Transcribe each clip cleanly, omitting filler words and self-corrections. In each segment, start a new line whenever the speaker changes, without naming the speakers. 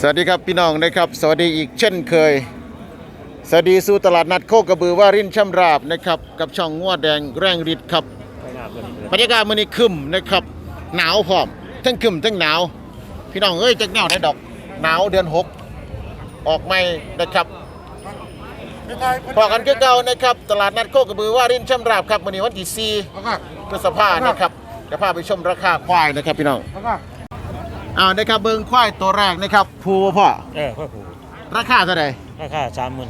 สวัสดีครับพี่น้องนะครับสวัสดีอีกเช่นเคยสวัสดีสู่ตลาดนัดโคกระบือวารินช่ำราบนะครับกับช่องงัวแดงแรงฤทธิ์ครับบรรยากาศมื้อนี้คึมนะครับหนาวพร้อมทั้งคึมทั้งหนาวพี่น้องเอ้ยจักแนวได้ดอกหนาวเดือน6ออกใหม่นะครับพอกันคือเก่านะครับตลาดนัดโคกระบือวารินช่ำราบครับมื้อนี้วันที่4พฤษภาคมนะครับจะพาไปชมราคาควายนะครับพี่น้องนะครับเบิ่งควายตัวแรกนะครับภูพ่อ
พ่อผู
ราคาเท่าไหร่
ราคา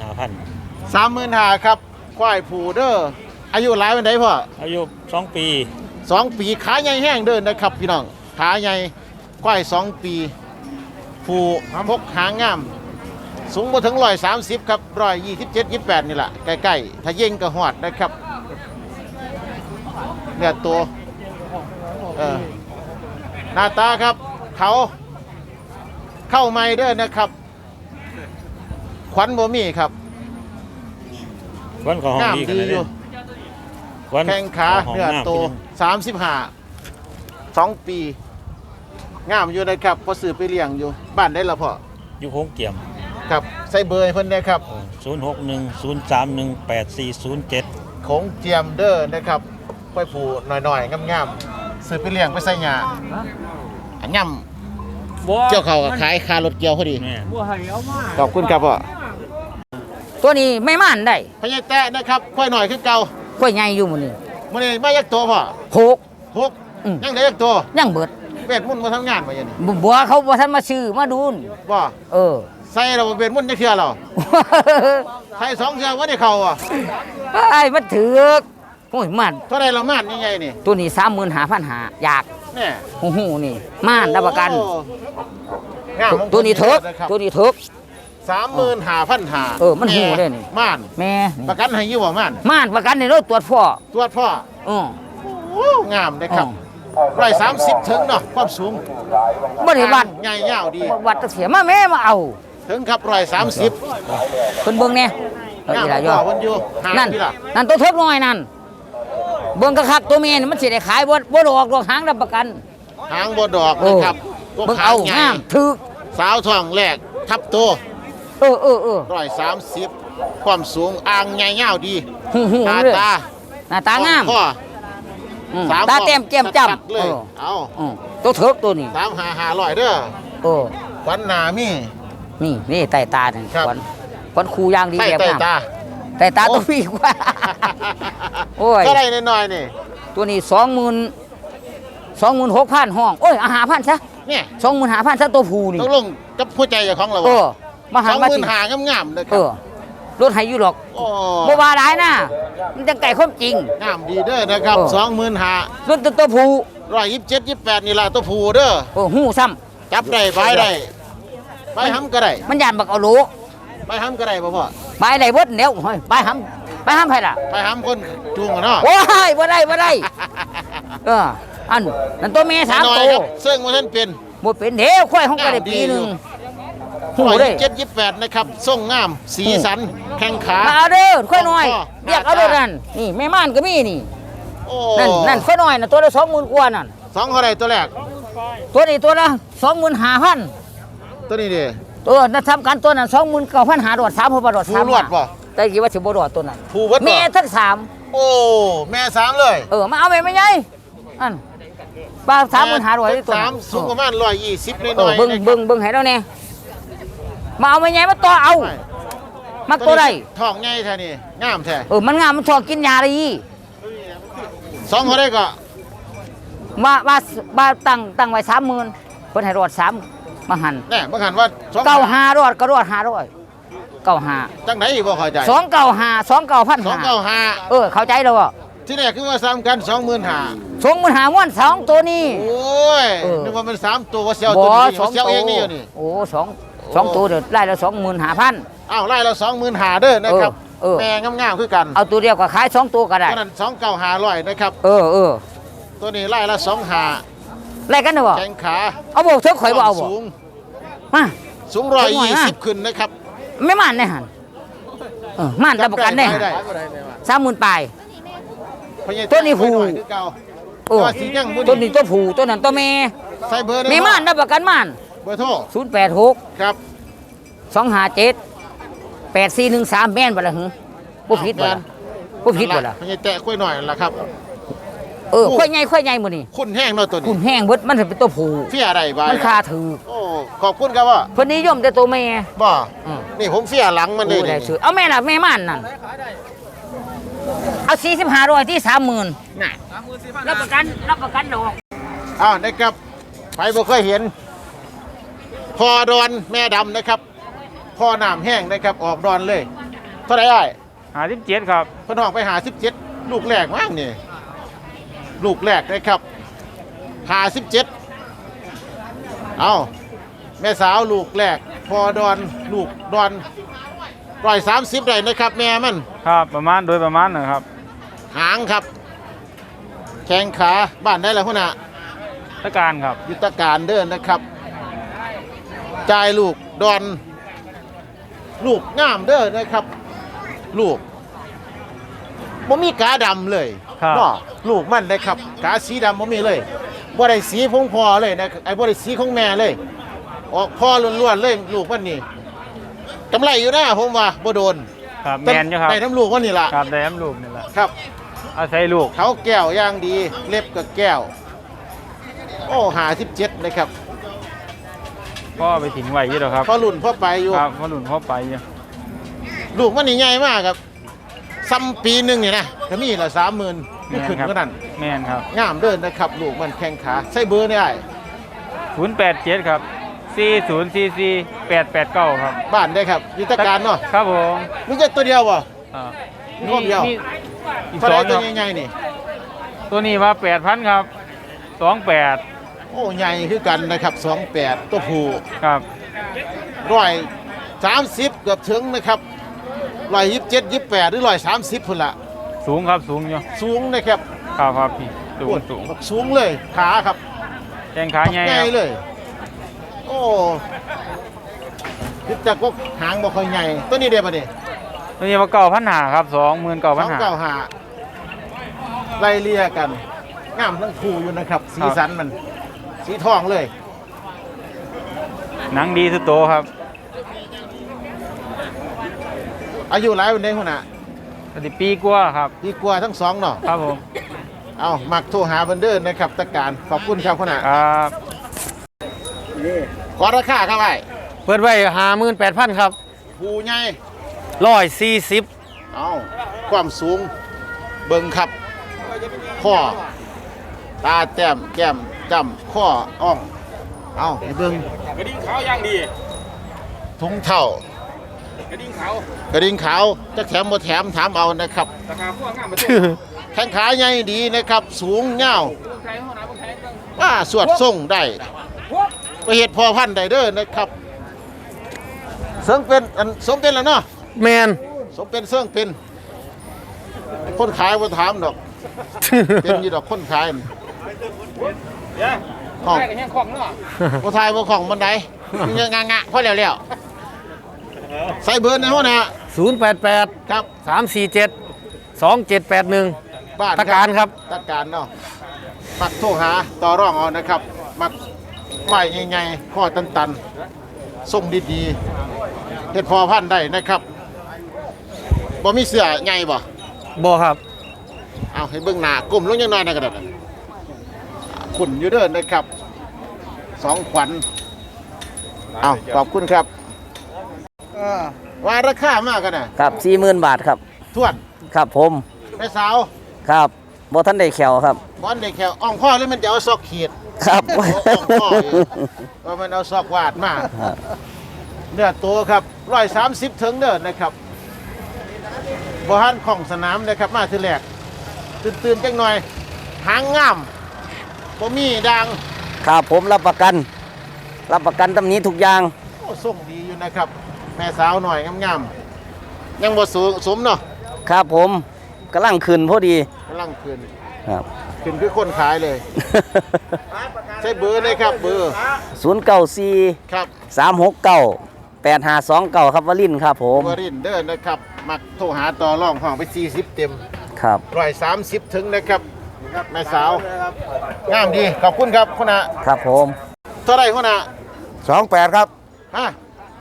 35,000ครับควายผูเด้ออายุหลายวันใดพ่อ
อายุ2 ปี
2 ปีขาใหญ่แห้งเดินนะครับพี่น้องขาใหญ่ควาย2 ปีผูพกหางงามสูงบ่ถึง130ครับ127 28นี่แหละใกล้ๆถ้าเย่งก็หอดนะครับเนี่ยตัวหน้าตาครับเขาเข้าไม่เด้อนะครับขวัญบ่มีครับ
ขวัญของดีกันเลย
แข้งขาเนื้อโต35 2 ปีงามอยู่นะครับพอซื้อไปเลี้ยงอยู่บ้านได้ละพ่อ
อยู่โคงเกี่ยม
ครับใส่เบอร์เพิ่นนะครับ
0610318407
โขงเจียมเด้อนะครับค่อยผูหน่อยๆงามๆซื้อไปเลี้ยงไปใส่หญ้าย่ำเจ้าเขาขายคารถเกี่ยวพอดีขอบคุณครับพ่อ
ตัวนี้ไม่ม่านได้
พญาแตะนะครับค่อยหน่อยขึ้นเก่า
ค่อยใหญ่อยู่มื้อนี้
ไม่ยักตัวพ่อ6ยังได้ยักตัว
ยังเบิด
เวทมุ่นมาทำงานมาอย่างนี้
บัวเขาบ่ทันมาซื้อมาดูน
บ่ใส่เราเวทมุ่นจะเทื่อเราใส่2 เทื่อว่าได้เข้าอ่ะ
ไอ้มันถือโอ้ยม่าน
เท่าไรเราม่านยังไงนี่
ตัวนี้35,500อยาก
แน่
หูนี่ม่านรับประกันตัวนี้เถิก
35,500
มันหูได้นี่
ม่าน
แม่
ประกันให้อยู่บ่ม่
านประกันในรถตรวจพ่
องามนะครับ130ถึงเนาะความสูง
บ่ได้วัด
ใหญ่ยาวดี
วัดเสียมาแม่มาเอา
ถึงครับ130
เพิ่นเบิ่งแน่
อีหล่ะย่อเพิ่นอยู่
นั่นตัวเถิกน้อยนั่นเบิ่งคักตัวแม่นี่มันสิได้ขายบ่ดอกหางรับประกัน
หางบ่ดอกนะครับ
เบิ่งเอางามถึก
สาวท้องแรกทับโต130ความสูงอ่างใหญ่ยาวดีหน้า
ตางามตาเต็มแก้มจ้ำ
เลยเอา
ตัวเถิกตัวนี้
35,500เด้อขวัญหน้ามี
นี่ใต้ตานี่ขวัญคูยางดีแบบงามใต้ตาตัวพี่กว่า
โอ้ยก็ได้น้อยๆนี่
ตัวนี้26,000ห้องโอ้ย5,000ซะ
เนี่ย
25,000ซะตัวผู้นี่
ต้องลงกับหัวใจของเรา
มาหามาสิ
25,000งามๆนะครับ
รถให้อยู่หรอกบ่ว่าหลายนะมันจังไก่ความจริง
งามดีเด้อนะครับ25,000
รถตัวผู้
127 28นี่ล่ะตัวผู้เด้อ
หู้ซ้
ำจับได้ไปได้ไปหำก็ได้
มันย่านบักเอาโล
ไปหำก็ได้บ่พ่อ
ไปได้เบิดแล้วไปหำไผล่ะ
ไปหำคนจูงเนาะ
โอ้ยบ่ได้อันนั่นตัวแม่3ตัว
ซึ่งว่าท่านเป็น
บ่เป็นเด้อควายของก็ได้ปีนึง
หูได้728นะครับส่งงามสีสันแข้งขา
มาเอาเด้อควายน้อยเรียกเอาเด้อนั่นนี่แม่ม่านก็มีนี่นั่นควายน้อยน่ะตัวละ 20,000 กว่านั่น
2เท่าไหร่ตัวแรก
ตัวนี้ตัวละ 25,000
ตัวนี้ดิ
นั่นทำกันตัวนั้น 29,500 ดอด3บ่ดอด3
รวดบ่
แต่คิดว่าสิบ่ดอดตัวนั้น
แ
ม่ทั้ง3
แม่3เลย
มาเอาแม่ใหญ่อันป้า35,000ตัว
3สูงประมาณ120น้อย
ๆเบิ่งให้เราแน่มาเอาแม่ใหญ่มาต่อเอามักตัวใด
ท้องใหญ่แท้นี่งามแท้
มันงามมันชอบกินยาได้
2เท่าใดก็
มาตั้งไว้ 30,000เพิ่นให้รอด3มาหัน
แน่มาหันว่า
95รอดก็รอด500 95
จังได๋บ่เข้าใจ
295เข้าใจแล้วบ่
ที่แรกคือว่าซ้ำกัน 25,000
ม่วน2ตัวนี้
โอ้ยนึกว่ามัน3ตัวว่าเสี่ยวตัวนี้เสี่ยวเองนี่อยู่นี่
2ตัวเด้อไล่ละ 25,000
อ้าวไล่ละ25,000เด้อนะครับแม่งามๆคือกัน
เอาตัวเดียวก็ขาย2ตัวก็ได้
ตัวนั้น2,900นะครับตัวนี้ไล่ละ25,000
ไล่กันเด้อบ่
แข้งขา
เอาบ่เถิกข่อยบ่เอาบ่มา
สูง120ขึ้นนะครับ
ไม่ม่านได้หั่นม่านรับประกันได้30,000ปลายตัวนี้ผู้ตัวนี้ตัวผู้ตัวนั้นตัวแม่
ใส่เบอร์
แม่ม่านรับประกันม่าน
เบอร์โทร
086
ครับ
257 8413แม่นบ่ล่ะหึบ่ผิดบ่ล่ะบ่ผิดบ่ล่ะ
พญาแตะกล้วยหน่อยล่ะครับ
ค่อยใหญ่มื้อนี้
คุณแห้งเนาะตัว
คุ
นี้
ณแห้งเบิดมันสิเป็นตัวผู้
เฟียอะไรบ้า
มันค่าถือ
โอ้ขอบคุณครับว่า
เพิ่นนิยมแต่ตัวแม่
บ่
อืม
นี่ผมเฟียหลังมันเลย
โอ้ได้
นี่
ซื้อเอาแม่ล่ะแม่ม่านนั่นเอา45,000ที่ 30,000
น่ะ
รับประกันดอก
อ้าวนะครับไปบ่เคยเห็นพอดอนแม่ดำนะครับพอน้ำแห้งนะครับออกดอนเลยเท่าไหร่อ้าย
57ครับ
เพิ่นออกไปหา17ลูกแรกมั้งนี่ลูกแรกนะครับหา17เอาแม่สาวลูกแรกพอดอนลูกดอน130ได้นะครับแม่มัน
ครับประมาณนะครับ
หางครับแข้งขาบ้านได้แล้วพุ่นน่ะ
ตะการครับ
ยุทธการเดินนะครับจ่ายลูกดอนลูกงามเด้อนะครับ ลูกบ่มีกาดำเลย
ครับ
เนาะลูกมันนะครับกาสีดำบ่มีเลยบ่ได้สีของพ่อเลยนะไอ้บ่ได้สีของแม่เลย ออกพ่อล้วนๆเลยลูกมันนี่กำไรอยู่นะผมว่าบ่โดน
ครับแมนอยู่ครับ
ได้น้ำลูกมันนี่ล่ะ
ครับได้น้ำลูกนี่แหละ
ครับ
อาศัยลูก
เขาแก้วอย่างดีเล็บกับแก้วโอ้หา17นะครับ
พ่อไปถึงไหวอยู่หรอครับ
พอรุ่นพอไปอยู่
ครับพ่อหลุนพ่อไปอยู่
ลูกมันนี่ใหญ่มากครับซ้ำปีหนึงนี่นะก็มีละ30,000ไม่ขึ้นก็นั่น
แมนครับ
งามเดินนะครับ ลูกมันแข้งขาใส่เบอร์ได้
087ครับ4044889ครับ
บ้านได้ครับยุทธการเนาะ
ครับผม
มีจะตัวเดียวบ่
อ่า
มีคนเดียว
อีก
เท่าไห
ส
ร
อง
ตั
คว รับ
ใหญ่ๆนี่
ตัวนี้ว่า8,000ครับ28
โอ้ใหญ่คือกันนะครับ28ตัวผู้
ครับ
130เกือบถึงนะครับ127 28หรือ130พุ่นละ
สูงครับสูงอยู่
สูงนะครับ
ครับครับพี่สูง
โอ้
สูง
สูงเลยขาครับ
แข้งขาใหญ่
ให
ค
ญ่
รับ
เลย โอ้คิดจากพวกหางบ่ค่อยใหญ่ตัวนี้เด้บ่นี่
ตัวนี้ว่า9,500ครับ29,500
295ไล่เลี่ยกันงามทั้งคู่อยู่นะครับ สีสันมัน สีทองเลย
หนังดีทุกโตวครับ
อายุหลายวันนี้หุ่นน่ะ
ปฏิปีกว่าครับ
ดีกว่าทั้งสองเนาะ
ครับผม
เอามักโทรหาเบันเดอร์นะครับตะการขอบคุณครับหุ่นน่ะ
ครับ
ขอราคาครับไอ้
เปิดไว้58,000ครับ
ผู้ใหญ่
140
เอาความสูงเบิ่งครับข้อตาแต้มแก้มจำข้ออ่องเอาให้เบิ่ง
กระดิ่งขาวย่างดี
ถุงเท่าก
ระดิ่งขาว
กระดิ่งขาวจะแถมบ่แถมถามเอานะครับ
ราคาพวกงามมา
แข้งขาใหญ่ดีนะครับ สูงยาว
ใครห้องน้ำพวกใครต้อง
ว่าสวดส่งได้ไปเฮ็ดพอพันธุ์ได้เด้อนะครับเสิงเป็นอันสมเป็นแล้วเนาะ
แมน
สมเป็นเสิงเป็น คนขายบ่ถามดอก เป็นอยู่ดอกคนขายน่ะห้อง
ใครกับแห้งของเนาะ
บ่ทายบ่ของบันไดมันยังงะๆพอแล้วๆใส่เบอร์ในห้องนะ
088
ครับ
347 2781
บ้าน
ตะการครับ
ตะการเนาะมักโทรหาต่อรองเอานะครับ มักไม้ใหญ่ๆข้อตันๆส่งดีๆเฮ็ดพอพันธุ์ได้นะครับบ่มีเสื้อใหญ่บ่
บ่ครับ
เอาให้เบิ่งหน้ากลมลงยังน้อยนะกระดาษขุ่นอยู่เด้อนะครับสองขวัญเอาขอบคุณครับว่าราคามากกันนะครับ
40,000 บาทครับ
ทวน
ครับผม
แม่สาว
ครับบ่ทันได้แขวครับ
บอนได้แค่อ่องพ่อหรือมันจะเอาซอกขีด
ครับ
โอ้อ่องพ่ออยู่ว่ามันเอาซอกวาดมาเนื้อตัวครับ130ถึงเด้อนะครับบ่ฮันของสนามนะครับมาทีแรกตื่นๆจังหน่อยหางงามบ่มีดัง
ครับผมรับประกันตำนี้ทุกอย่าง
โอ้ส่งดีอยู่นะครับ แม่สาวหน่อยงามๆยังบ่สูงสมเนาะ
ครับผมกำลังขึ้นพอดี
กำลังขึ้น
ครับ
ขึ้นคือคนขายเลย ใช้เบอร์เลยครับเบอร์
094
ครับ
369 8529ครับวลินทร์ครับผม
วรินทร์เด้อนะครับ มักโทรหาต่อรองห้องไป40เต็ม
ครับ
130ถึงนะครับ แม่สาวงามดีขอบคุณครับคุณอา
ครับผม
เท่าไหร่คุณอา
28ครับ
ฮะ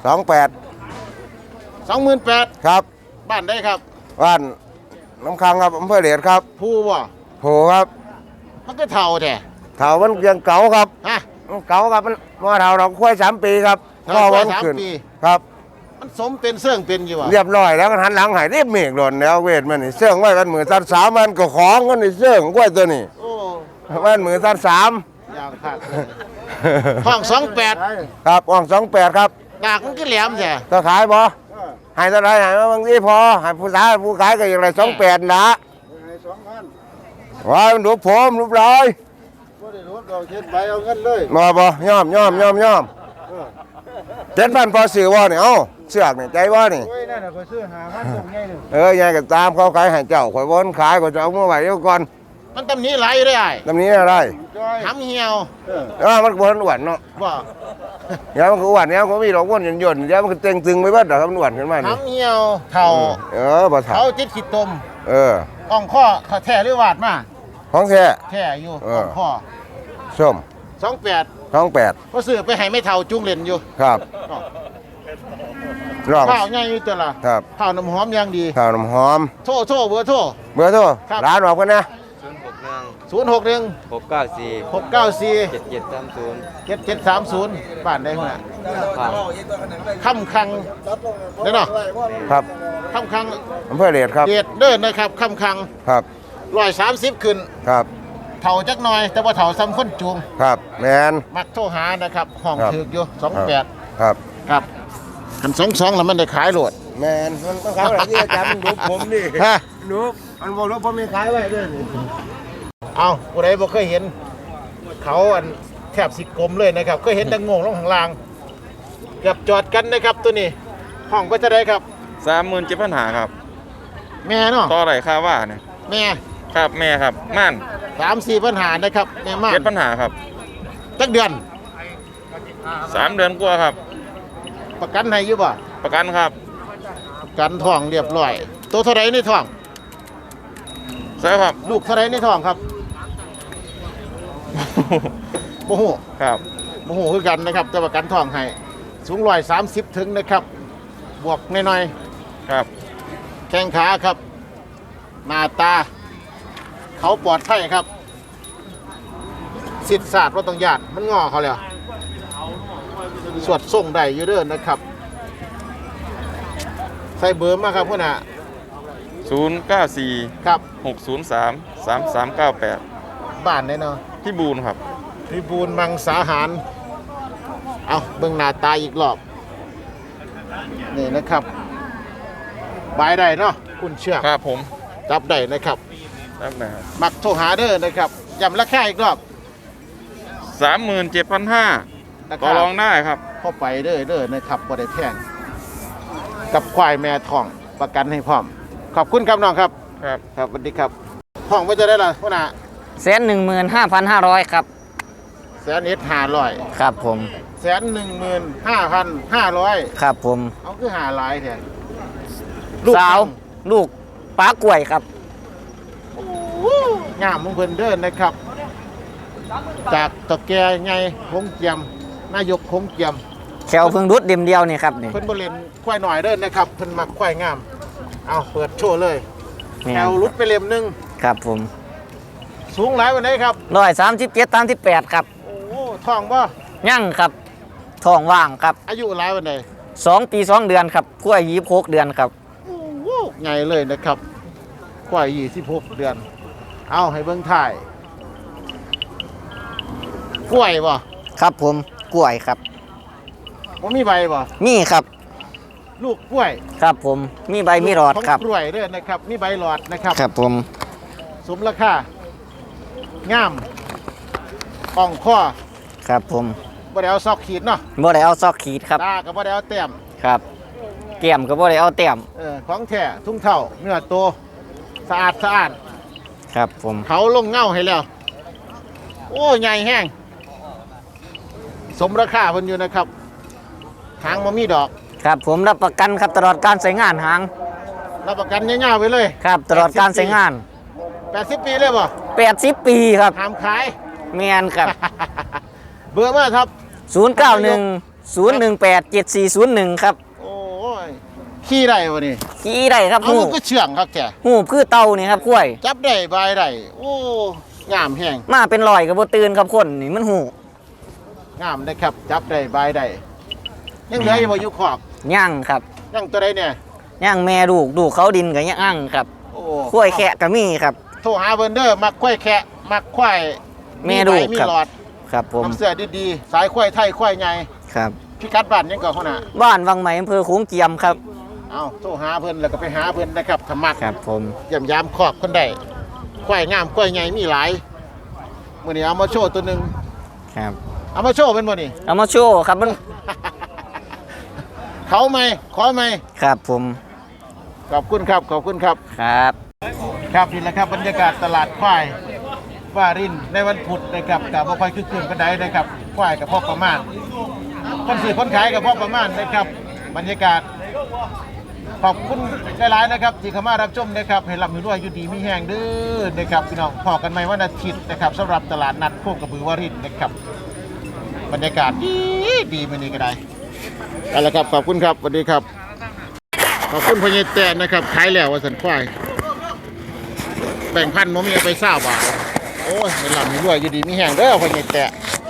28
28,000
ครับ
บ้านได้ครับ
บ้านน้ำค้างครับอำเภอเดชครับ
ผู้บ่
โผครับ
มันก็เท่าแท้
เถามันยังเก่าครับ
ฮะ
มันเก่าครับมันว่าเถาเราค่อย3 ปีครับ
เถาควาย
มันขึ้น
3 ปี
ครับ
มันสมเป็นเสื่องเป็นอยู่บ่
เรียบร้อยแล้วก็หันหลังใหายเรียบเมฆหล่นแล้วเวทมันนี่เสื่องไว้กันมือ3 3มันก็ของกันนี่เสื่องกล้วยตัวนี้
โอ้
มันมือ3 3
อย่างคักเลยห้อง28
ครับอ่อง28ครับ
ดากมันก็แหลมแท้
ก็ขายบ่ให้เท่าไหรให้มาบางทีพอให้ผู้ขายก็อย่างไร28นะว่ามันรูปผมรูปลอยมาบ่ย่อม7,000พอซื้อบ่นี่เอ้าเสือกนี่ใจบ่นี่ยายก็ตามเขาขายให้เจ้าข่อยบ่ขายก็จะเอามาไว้เดี๋ยวก่อน
มันตำหนี้ไหลายได้อ้าย
ตำนี้อะไร
หำเหี่ยว
มันบ่อ้วนเนาะ
บ่
เดี๋ยวมันก็อ้วนเดี๋ยวมันมีดอกอ้วนหย่นๆเดี๋ยวมันก็เต็งตึงไปเบิดดอกมันอ้วนขึ้นมานี่
หำเหี่ยวเท่า
บ่ถา
เขาติดขีดตม อ่องข้อเขาแท้หรือวาดมา
ของแท้
แท้อยู่
เออ
อ่องข้อ
ส้ม
28
28
ก็ซื้อไปให้ไม่เท่าจุงเล่นอยู่
ครับลอง
ข้าวใหญ่อยู่ตัวละ
ครับ
ข้าวน้ำหอมอย่างดี
ข้าวน้ำหอม
โทรเบอร์โทร
เบอร์โทร
ครับ
ร้านบอกกันนะ
061
694
694
7730
7730บ้านได้หัวหน้า
ครับ
ค่ำคังเด้อเนาะ
ครับ
ค่ำคัง
อำเภอเดชครับ
เดดเด้อนะครับค่ำคัง
ครับ
130ขึ้น
ครับ
เท่าจักหน่อย แต่ว่าเท่าซ้ำคนจูง
ครับแมน
มักโทรหานะครับห้อง
ครับ
ถึกอยู่28
ครับ
ครับคัน22แล้วมันได้ขายโหลด
แมนมันขายอะไรที่อาจารย์มันรูปผมนี่
ฮะ
รูปมันบอกรูปผมมีขายไว้ด้วยนี่
เอาผู้ใดบ่เคยเห็น เขาอันแทบสิกลมเลยนะครับเคยเห็นแต่งงลงข้างล่างเกือบจอดกันนะครับตัวนี้ ห้องก็จะได้ครับ
37,000หาครับ
แม่เนาะ
ต่อไหร่ค่าว่าเนี่ย
แม่
ครับแม่ครับม่าน
3-4 ปัญหานะครับแม่มาก
7,000หาครับ
จักเดือน
3 เดือนกว่าครับ
ประกันให้อยู่บ่
ประกันครับ
ประกันท้องเรียบร้อยตัวเท่าไรในท้อง
ใช่ครับ
ลูกเท่าไรในท้องครับ บ่ฮู้
ครับ
บ่ฮู้คือกันนะครับแต่ประกันท้องให้สูง130ถึงนะครับ บวกหน่อย
ครับ
ๆแข้งขาครับ หน้าตา เขาปลอดภัยครับสิทธิ์ศาสตร์ว่าต้องญาติมันงอเขาแล้วสวดส่งได้อยู่เด้อนะครับ ใส่เบอร์มาครับพ่อน่ะ
094
ครับ
603 3398
บ้านได้เนาะ
พี่บูนครับ
พิบูลมังสาหาร เอาเบิ่งหน้าตาอีกรอบ นี่นะครับบายได้เนาะคุณเชือก
ครับผม
จับได้นะครับ
ครับนะครับ
มักโทรหาเด้อนะครับย้ำราคาอีกรอบ
37,500ต่อรองได้ครับ
เข้าไปเด้อนะครับบ่ได้แพงกับควายแม่ทองประกันให้พร้อม ขอบคุณครับน้องครับ
ครับ
ครับสวัสดีครับห้องว่าจะได้ล่ะพ่อน่ะ
115,500 ครับ
1,500,000
ครับผม
115,500
ครับผม
เอาคือหาหลายแท้
สาวลูกป้ากล้วยครับ
งามมงคลเดินนะครับ จากตะแกไงคงเจียมนายกคงเจียม
แขวเพิ่งรุดเดียมเดียวนี่ครับนี่
เพิ่นบ่เล่นควายหน่อยเด้อนะครับเพิ่นมักควายงาม เอาเปิดโชว์เลย
แม่
แถวรุดไปเล่มหนึง
ครับผม
สูงหลายวันไหนครับ
137-38 ครับ
โอ้ท้องบ่
ยั่งครับท้องว่างครับ
อายุหลายวันไหน
2 ปี 2 เดือนครับกล้วย26 เดือนครับ
โอ้โหใหญ่เลยนะครับควาย26 เดือน เอาให้เบิ่งถ่ายกล้วยบ่
ครับผมกล้วยครับ
บ่มีใบบ่
นี่ครับ
ลูกกล้วย
ครับผมมีใบมีหลอดครับ
ของกล้วยเด้อนะครับมีใบหลอดนะครับ
ครับผม
สมราคางามอ่องข้อ
ครับผม
บ่ได้เอาซอกขีดเนาะ
บ่ได้เอาซอกขีดครับ
ตาก็บ่ได้เอาแต้ม
ครับแก้มก็บ่ได้เอาแต้ม
ของแท้ทุ่งเท่าเนื้อโตสะอาดสะอาด
ครับผม
เขาลงเง่าให้แล้ว โอ้ใหญ่แห้งสมราคาเพิ่นอยู่นะครับหางบ่มีดอก
ครับผมรับประกันครับตลอดการใช้งานหาง
รับประกันยาวๆไปเลย
ครับตลอดการใช้งาน
80 ปีเลยบ่
80 ปีครับ
ห้ามขาย
แมนครับ
เบอร์มาครับ
091 0187401ครับ
โอ้ยขี้ได้วะนี่
ขี่ได้ครับ
เอา
หู
มันก็เชื่องครับแก
หูคือเต่านี่ครับกล้วย
จับได้บายได้โอ้งามแห้ง
มาเป็นรอยกับบ่ตื่นครับคนนี่มันหู
งามได้ครับจับได้บายได้ยังเหลืออยู่บ่อยู่ขอก
ย่างครับ
ยังตัวใดเนี่ย
ย่างแม่ลูกเขาดินกับย่างครับ
โอ้
กล้วยแคะก็มีครับ
โทรหาเบิร์เดอร์มักควายแคะมักควาย
แม่ลูก
มี
ครับ
หลอด
ครับผม
น้ำเสื้อดีๆสายควายไทยควายใหญ่
ครับ
พิกัดบ้านยังก่อนเขาน่ะ
บ้านวังใหม่อำเภอโขงเจียมครับ
เอาโทรหาเพิ่นแล้วก็ไปหาเพิ่นนะครับธรรมะ
ครับผม
เยี่ยมยามครอบคนได้ควายงามควายใหญ่มีหลายมื้อนี้เอามาโชว์ตัวหนึง
ครับ
เอามาโชว์เป็นบ่นี่
เอามาโชว์ครับมัน
เขาไหมขอไหม
ครับผม
ขอบคุณครับขอบคุณครับ
ครับ
ครับนี่แหละครับบรรยากาศตลาดควายวารินในวันพุธนะครับกับบ่ค่อยคึกคืนปานใดนะครับควายกับพ่อประมาณคนซื้อคนขายกับพ่อประมาณนะครับบรรยากาศขอบคุณหลายๆนะครับที่เข้ามารับชมนะครับให้ร่ำให้รวยอยู่ดีมีแห้งเด้อนะครับพี่น้องพอกันใหม่วันอาทิตย์นะครับสำหรับตลาดนัดโคกระบือวารินนะครับบรรยากาศดีมื้อนี้ก็ได้เอาละครับขอบคุณครับสวัสดีครับขอบคุณพญายแตนนะครับขายแล้วว่าสันควาย แบ่งพันธุ์มมีเอาไปเศร้าบาทโอ้ยไม่หลับไม่รวยอยู่ดีมีแห้งเด้อพอใหญ่แตะ